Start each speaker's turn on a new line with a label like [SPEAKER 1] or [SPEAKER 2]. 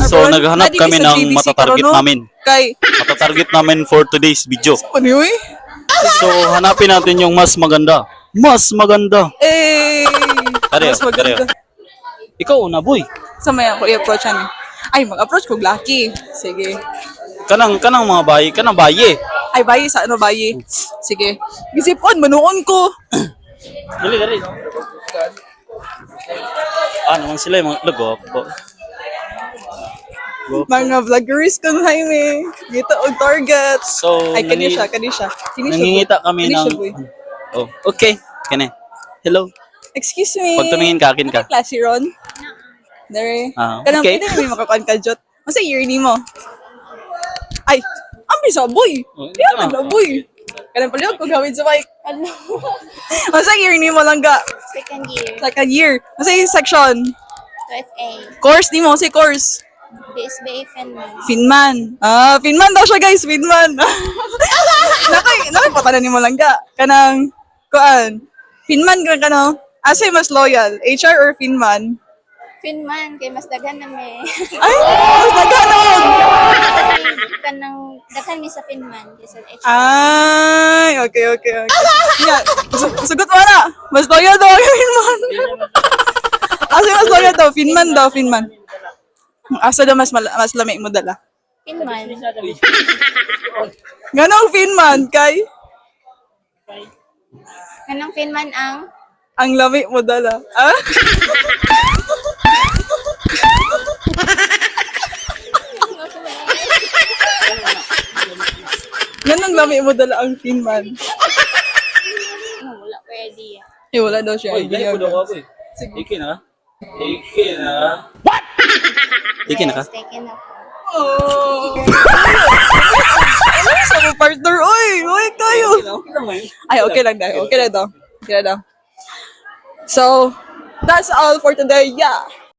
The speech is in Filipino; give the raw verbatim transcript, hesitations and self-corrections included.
[SPEAKER 1] So, naghanap
[SPEAKER 2] Nadi
[SPEAKER 1] kami
[SPEAKER 2] sa
[SPEAKER 1] ng
[SPEAKER 2] G D C
[SPEAKER 1] matatarget
[SPEAKER 2] karon, no?
[SPEAKER 1] namin.
[SPEAKER 2] Kay,
[SPEAKER 1] Matatarget namin for today's video.
[SPEAKER 2] ano yun?
[SPEAKER 1] So, hanapin natin yung mas maganda. Mas maganda.
[SPEAKER 2] Eh,
[SPEAKER 1] Kareo,
[SPEAKER 2] mas maganda.
[SPEAKER 1] Ikaw una, boy.
[SPEAKER 2] Sa may ako i-approach yan. Ay, mag-approach ko, Lucky. Sige.
[SPEAKER 1] Kanang, kanang mga bayi. Kanang bayi.
[SPEAKER 2] Ay, bayi sa ano, bayi. Sige. Gisipon, manuon ko.
[SPEAKER 1] Dali, dali. Ah, naman sila yung mga lago.
[SPEAKER 2] Mga vloggers kung Jaime. Dito og target.
[SPEAKER 1] So,
[SPEAKER 2] Ay, kani
[SPEAKER 1] nangi-
[SPEAKER 2] siya, kani siya. Kani siya,
[SPEAKER 1] Nangingita
[SPEAKER 2] boy.
[SPEAKER 1] kami
[SPEAKER 2] Kani
[SPEAKER 1] ng...
[SPEAKER 2] siya, boy.
[SPEAKER 1] Oh, okay. Kani. Hello.
[SPEAKER 2] Excuse me.
[SPEAKER 1] Pag tumingin ka, akin ka.
[SPEAKER 2] Klase ron. Dere.
[SPEAKER 1] Ah,
[SPEAKER 2] Kanang
[SPEAKER 1] okay.
[SPEAKER 2] pwede may makakuan ka, Jot. Masa year ni mo? Ay, ambi sa boy.
[SPEAKER 1] Oh,
[SPEAKER 2] Kaya
[SPEAKER 1] ito na.
[SPEAKER 2] na boy. Kanang paliw ko gawin sa mic. Ano? Masa year ni mo lang ga?
[SPEAKER 3] Second year,
[SPEAKER 2] Second year. Masa yung section?
[SPEAKER 3] to F A,
[SPEAKER 2] Course ni mo, si course.
[SPEAKER 3] B S B A Finland.
[SPEAKER 2] Finman. Ah, Finman daw siya guys, Finman. nakay, nakay patanan ni mo lang ga. Kanang, kuan. Finman ka kano? Asa yung mas loyal? H R or Finman?
[SPEAKER 3] Finman, kay mas daghan na may.
[SPEAKER 2] Ay, mas nagkanog!
[SPEAKER 3] Kanang, daghan mi sa Finman, kaysa H R.
[SPEAKER 2] Ay, okay, okay, okay. Nga, su- sugot mo na. Mas loyal daw ang Finman. Asa yung mas loyal daw? Finman daw, Finman. Asa daw mas, mal- mas lamig mo dala?
[SPEAKER 3] Finman,
[SPEAKER 2] Ganong Finman, kay?
[SPEAKER 3] kanang Finman ang
[SPEAKER 2] Ang lamig mo dala. Ah? Ganong lamig mo dala ang Finman.
[SPEAKER 3] ano, wala ko idea.
[SPEAKER 2] Eh, wala daw siya
[SPEAKER 1] Oy, dali
[SPEAKER 2] idea.
[SPEAKER 1] ko daw ako eh. Iki na ka? Iki na ka? What? Iki na ka?
[SPEAKER 3] Yes, taken ako.
[SPEAKER 2] Oh! Ano sa mo partner? Oy! Oy, kayo! Ay, okay lang daw. Okay lang daw. Okay lang daw. So, that's all for today. Yeah.